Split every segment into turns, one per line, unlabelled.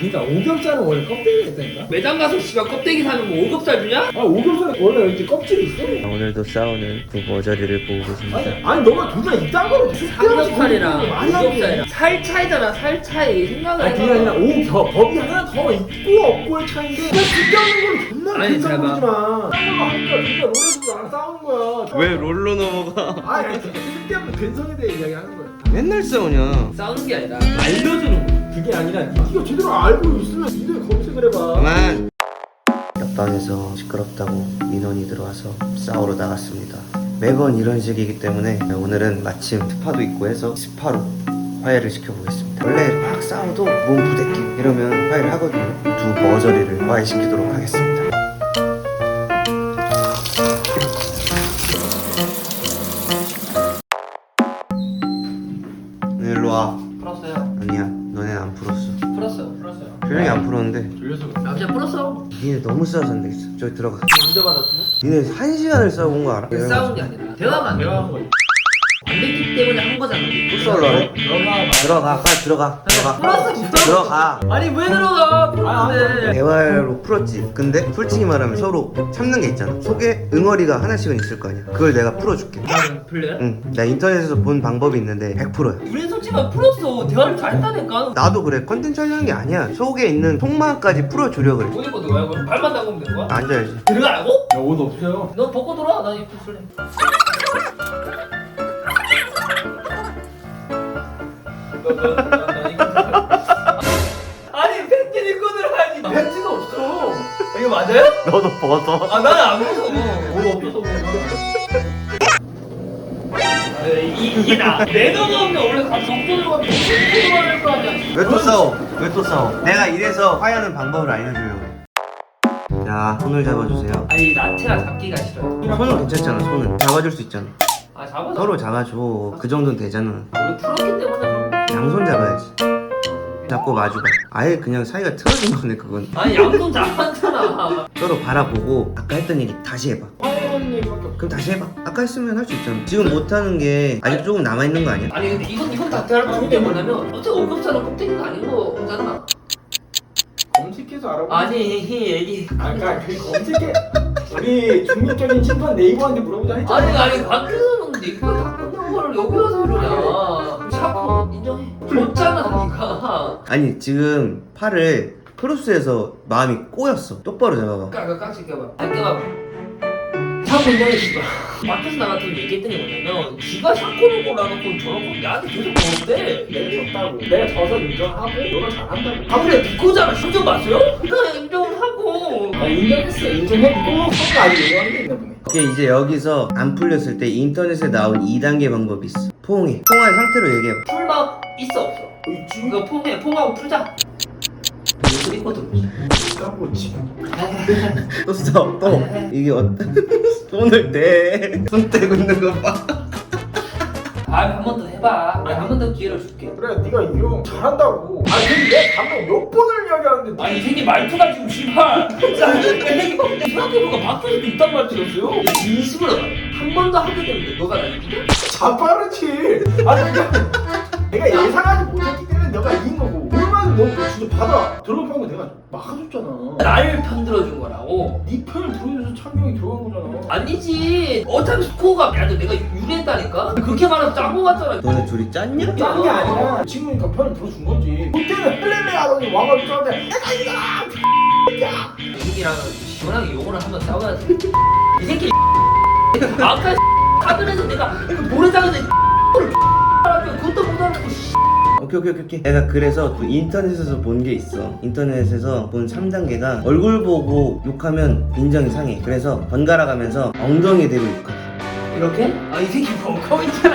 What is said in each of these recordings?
그러니까 오겹살은 원래 껍데기가 있다니까?
매장 가서 씨발 껍데기 사면 뭐 오겹살 주냐?
아 오겹살은 원래 이렇게 껍질이 있어.
오늘도 싸우는 그 머저리를 보고 계십니다.
아니 너가 둘다 이딴 거로
삼겹살이랑 오겹살이랑 살 차이잖아. 살 차이 생각을
아니 그게 아니라 오겹 법이 하나 더 있고 없고의 차이인데 그냥 쓸데없는 걸 존나
아니,
큰
잘 봐.
싸우지 마. 딴 걸로 하니까 그러니까 롤에서도 나랑 싸우는 거야.
왜 롤로 넘어가?
아니 쓸데없는 근성에 대해 이야기하는 거야.
맨날 싸우냐?
싸우는 게 아니라 알려주는 거.
그게 아니라 네가 제대로 알고 있으면 니네 검색을 해봐.
그만! 옆방에서 시끄럽다고 민원이 들어와서 싸우러 나갔습니다. 매번 이런 식이기 때문에 오늘은 마침 스파도 있고 해서 스파로 화해를 시켜보겠습니다. 원래 막 싸워도 몸 부대끼고 이러면 화해를 하거든요. 두 머저리를 화해시키도록 하겠습니다. 일로 와.
풀었어요.
아니야, 너넨 안 풀었어.
풀었어요.
표정이 안 풀었는데
졸려서
아 그냥 풀었어.
니네 너무 싸워서 안 되겠어. 저기 들어가.
문제 받았으면?
니네 1시간을 싸워본 거 알아?
싸운 게 아니라 대화가 안
내가
돼.
한 거야.
안 됐기 때문에 한 거잖아.
풀썰로 하래?
너가
들어가, 빨리 들어가.
풀었어 진짜.
들어가.
아니 왜 들어가? 풀었는데.
대화로 풀었지. 근데 솔직히 말하면 서로 참는 게 있잖아. 속에 응어리가 하나씩은 있을 거 아니야. 그걸 내가 풀어줄게.
나는 풀려요?
응, 나 인터넷에서 본 방법이 있는데 100%야.
우린 솔직히 풀었어. 대화를 잘했다니까.
나도 그래. 컨텐츠 하려는 게 아니야. 속에 있는 속마음까지 풀어주려 그래.
옷 입고 들어가요? 그럼 발만 담그면 되는 거야?
앉아야지.
들어가라고?
야옷 없어요.
너 벗고 들어와. 난 입고 있을래. 아니 팬티 입고 들어야지.
팬티가 없어.
이거 맞아요?
너도 벗어.
아 나는 안 벗어. 옷 없어서 이게 나. 내 돈 없는데 원래 가서 정돈을 가면 정돈을 할거 아니야.
왜 또 싸워? 왜 또 싸워? 내가 이래서 화해하는 방법을 알려주려고 해. 자, 손을 잡아주세요.
아니 나태가 잡기가 싫어요.
손은 괜찮잖아, 손은. 잡아줄 수 있잖아.
아 잡아서.
서로 잡아줘. 그 정도는 되잖아.
우리 풀었기 때문에 그런 거.
양손 잡아야지. 잡고 마주봐. 아예 그냥 사이가 틀어진 거네, 그건.
아니 양손 잡았잖아.
서로 바라보고 아까 했던 얘기 다시 해봐.
화해하는 얘기밖에 없어.
그럼 다시 해봐. 아까 했으면 할 수 있잖아. 지금 못하는 게 아직 조금 남아있는 거 아니야?
아니 근데 이건 나태할 거 근데 뭐냐면 어차피 오겹살은 껍데기가 아닌 거잖아.
검색해서 알아보.
아니 얘기.
아까 그 검색해. 우리 중립적인 심판 네이버한테 물어보자 했잖아.
아니 밖에서는 네가 다 끝난 걸 여기 와서 이러냐. 샤프 인정해. 줬잖아 니가.
아니 지금 팔을 크로스해서 마음이 꼬였어. 똑바로 잡아봐.
깍깍 껴봐. 안 껴봐. 샤프 인정해 씨발. 밖에서 나갔더니 얘기했던 게 뭐냐면 지가 샤코를 골라놓고 저렇게 나한테 계속 먹는데
내가 졌다고. 내가 져서 인정하고 너가 잘한다고.
아 그래 니코잖아. 인정 봤어요? 그래 인정하고.
아 인정했어. 인정했고 서로 아직 얘기하는 게 있나 보네.
이게 이제 여기서 안 풀렸을 때 인터넷에 나온 2단계 방법이 있어. 포옹해. 포옹한 상태로 얘기해봐.
풀밥 있어 없어?
있지.
이거 퐁하고 풀자. 이거 있거든.
까고 지금.
또 써. 또. 이게 손을 대. 손 떼고 있는 거 봐.
한 번 더 해봐. 한 번 더 기회를 줄게.
그래 네가 이거 잘한다고. 아니 근데 내가 방금 몇 번을 이야기하는데
아니 이 새끼 말투가 지금 씨발. 생각해보니까 밖에서도 이딴 말투였어요. 진심으로 말해. 한 번 더 하게 되는데 너가 나 이기냐?
자빠르지. 아니 그러니까 내가 예상하지 못했기 때문에 너가 이긴 거고. 얼마나 너 진짜 받아. 들어본 거 내가 막아줬잖아.
날 편들어준 거라고.
네 편을 들어줘서 찬경이 들어간 거잖아.
아니지. 어차피 스코어가 야너 내가 유리했다니까. 그렇게 말하면 짠거 같잖아.
너네 둘이 짰냐?
딴 게 아니라 친구니까 편을 들어준 거지. 그때는 플레레 하더니 와가지고 싸는데 내가 이기다.
이 새끼랑 시원하게 욕을 한번 싸워야지. 이 새끼 아까 카드에서 내가 모래장에서 그것도 못하는 거.
오케이. 내가 그래서 또 인터넷에서 본 게 있어. 인터넷에서 본 3단계가 얼굴 보고 욕하면 빈정이 상해. 그래서 번갈아 가면서 엉덩이에 대고 욕하래.
이렇게? 아 이 새끼 벙커 있잖아.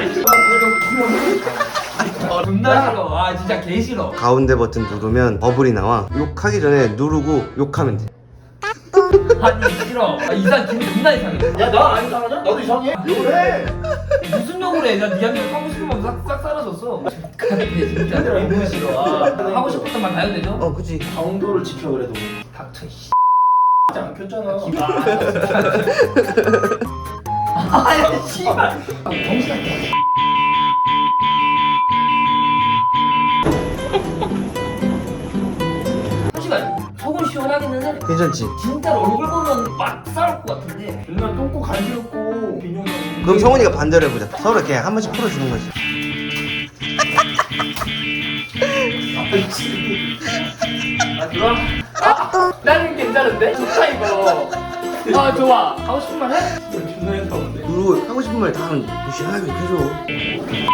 존나 싫어. 아 진짜 개 싫어.
가운데 버튼 누르면 버블이 나와. 욕하기 전에 누르고 욕하면 돼.
아니 싫어. 아 이상 기분 존나 이상해.
야 나 안 이상하냐? 나도 이상해. 왜?
무슨 욕을 해? 나 니한테 하고 싶은 건 싹 사라졌어. 근데 진짜 너무 싫어. 아, 하고 싶었던 말 다 해도 되죠?
그치.
강도를 지켜 그래도.
닥쳐 씨.
안 켰잖아.
아야 씨발. 정신없게. 솔직히 속은 시원하기는 해.
괜찮지?
진짜 얼굴 보면 막 싸울 것 같은데.
맨날 똥꼬 간지럽고 빈용이.
그럼 성훈이가 반대로 해보자. 서로 이렇게 한 번씩 풀어주는 거지.
아 좋아? 나는 괜찮은데? 좋다 이거. 아 좋아. 하고 싶은 말 해?
존나 했다는데.
그리고 하고 싶은 말 다 하면 시원하게 해줘.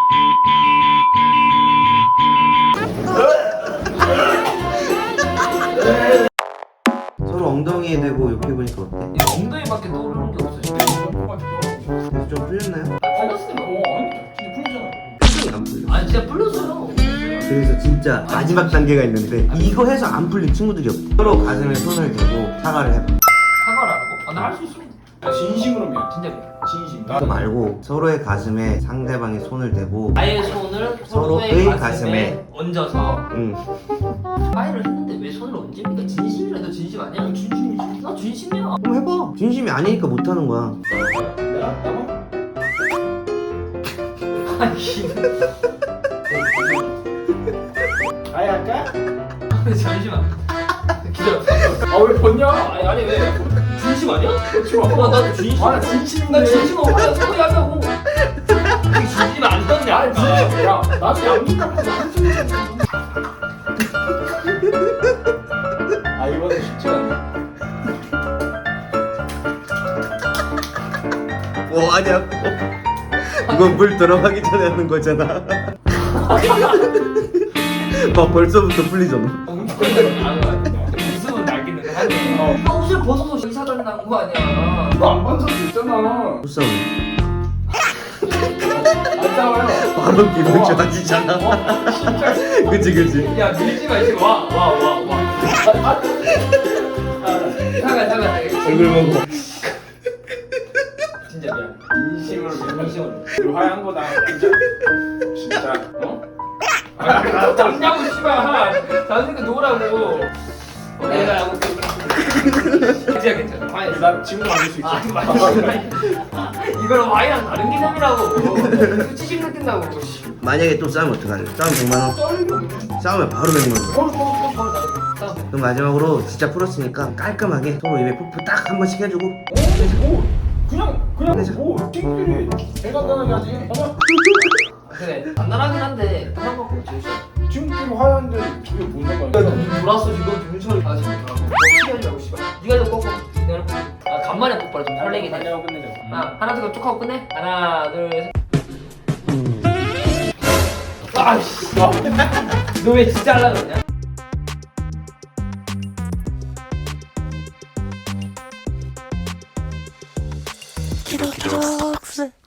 서로 엉덩이에 대고 욕해보니까 어때?
엉덩이밖에 떠오르는 게 없어 지금.
그래서 좀 풀렸나요?
풀렸으니까.
진짜 풀리잖아.
표정이 안 풀려.
아니 진짜 풀렸어요.
그래서 진짜 마지막 단계가 있는데 이거 해서 안 풀린 친구들이 없대. 서로 가슴에 손을 대고 사과를 해봐.
사과를 하라고? 아 나 할 수 있어.
나 진심으로 미안.
진짜 미안.
진심.
그거 말고 서로의 가슴에 상대방이 손을 대고
아예 손을
서로의
서로의
가슴에
가슴에 얹어서
응.
파이를 했는데 왜 손을 얹습니까? 진심이라도 진심 아니야?
진심이지.
나 진심이야.
그럼 해봐. 진심이 아니니까 못하는 거야.
내가 나만?
아니
아예 할까?
잠시만. 기다려.
아왜 벗냐?
아니 왜? 진심 아니야?
그렇지 마.
나도 진심.
아, 나 진심인데.
나 진심 없어. 소리 하냐고. 그게 진심 안 떴네.
아 진짜. 야 나도 양민이라고 한숨. 아 이거는 쉽지 않네.
아니야. 이건 물 들어가기 전에 하는 거잖아. 막 벌써부터 풀리잖아.
웃음은 날겠는데 하네. 나 옷을 벗어서 이사단에 나온 거 아니야.
너안 반성도 있잖아.
불쌍해.
안 싸워요.
바로 기분 좋아지잖아.
진짜.
그치 그치.
야 밀지 마 지금 와. 잠깐.
얼굴 보고.
진짜 미안.
진심으로 미안.
진심으로.
그 화한 거다. 진짜. 어?
잡냐고 씨발. 자식이 놓으라고. 내가 괜찮아. 와인.
나 지금도 만들 수 있어.
이거는 와인이랑 다른 개념이라고. 수치심 느낀다고.
만약에 또 싸우면 어떡하냐? 싸우면 100만 원. 싸우면 바로 100만 원. 그럼 마지막으로 진짜 풀었으니까 깔끔하게 서로 입에 푸푸 딱 한 번씩 해주고.
뭐 그냥 뭐 친구들이 대간단하게 하지. 아니야?
그래 간단하긴 한데 그만 먹고 제일
친구끼리 화해하는데 저게 뭔 상관이야?
놀았어 지금 윤철이 아 지금 놀라고 시간이라고 씨발 니가 좀 꺾어 내가 꺾어 아 간만에 꺾어라 좀 설레긴 해
하냐고 끝내자.
아 하나 둘 쭉 하고 끝내 하나 둘셋 아이씨 너 왜 진짜 하려고 그러냐?
키로톡스